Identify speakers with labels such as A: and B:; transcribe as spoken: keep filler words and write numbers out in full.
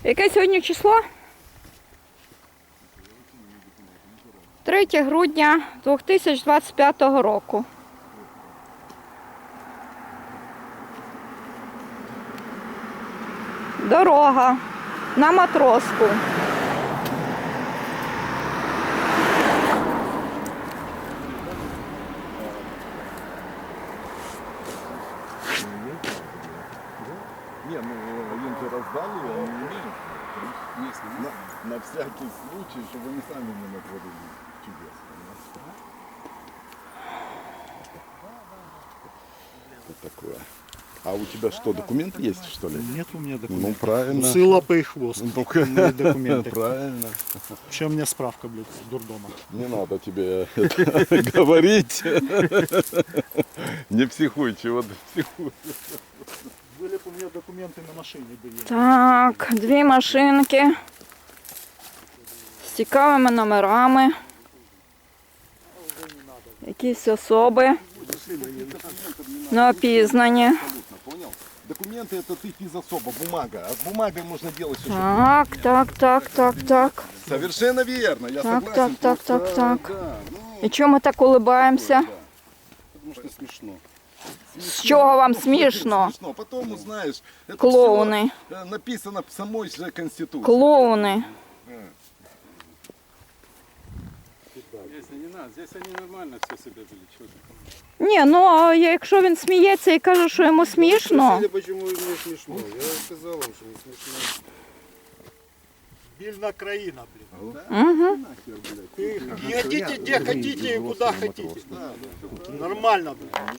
A: Яке сьогодні число? третє грудня дві тисячі двадцять п'ятого року. Дорога на Матроску.
B: Не, ну им же раздали, они имеют. На, на всякий случай, чтобы они сами не натворили чудес. Что такое? А у тебя что, документ есть, что ли?
C: Нет у меня
B: Ну,
C: документов.
B: правильно.
C: Усы, лапы и хвост.
B: Ну,
C: Мои документы.
B: Правильно.
C: Еще у меня справка, блядь, с дурдома.
B: Не надо тебе это говорить. Не психуй, чего ты психуешь.
C: Были бы у меня документы на машине. Были.
A: Так, дві машинки з цікавими номерами. Якісь особи неопізнані.
B: Понял? Документы это ты физособа, бумага. А с бумагой можно делать все, что
A: Так, так, так, так, так.
B: Совершенно верно, я
A: Так,
B: согласен.
A: так, так,
B: Просто,
A: так, так.
B: да, ну,
A: І чому ми так улибаємося?
B: да. Потому что смешно.
A: З чого вам смішно?
B: Смешно. Потом узнаешь. Это
A: Клоуны.
B: всё, э, написано в самой же Конституции.
A: Клоуни.
D: Если не надо, здесь они нормально все себя вели. Чё ты?
A: Ні, ну а якщо він сміється і каже, що йому смішно.
D: Спросили, почему им не смешно. Я сказал им, что не смешно.
C: Бильна краина, блин.
A: Угу.
C: Вы не хотите, где хотите и куда хотите. Нормально, блин.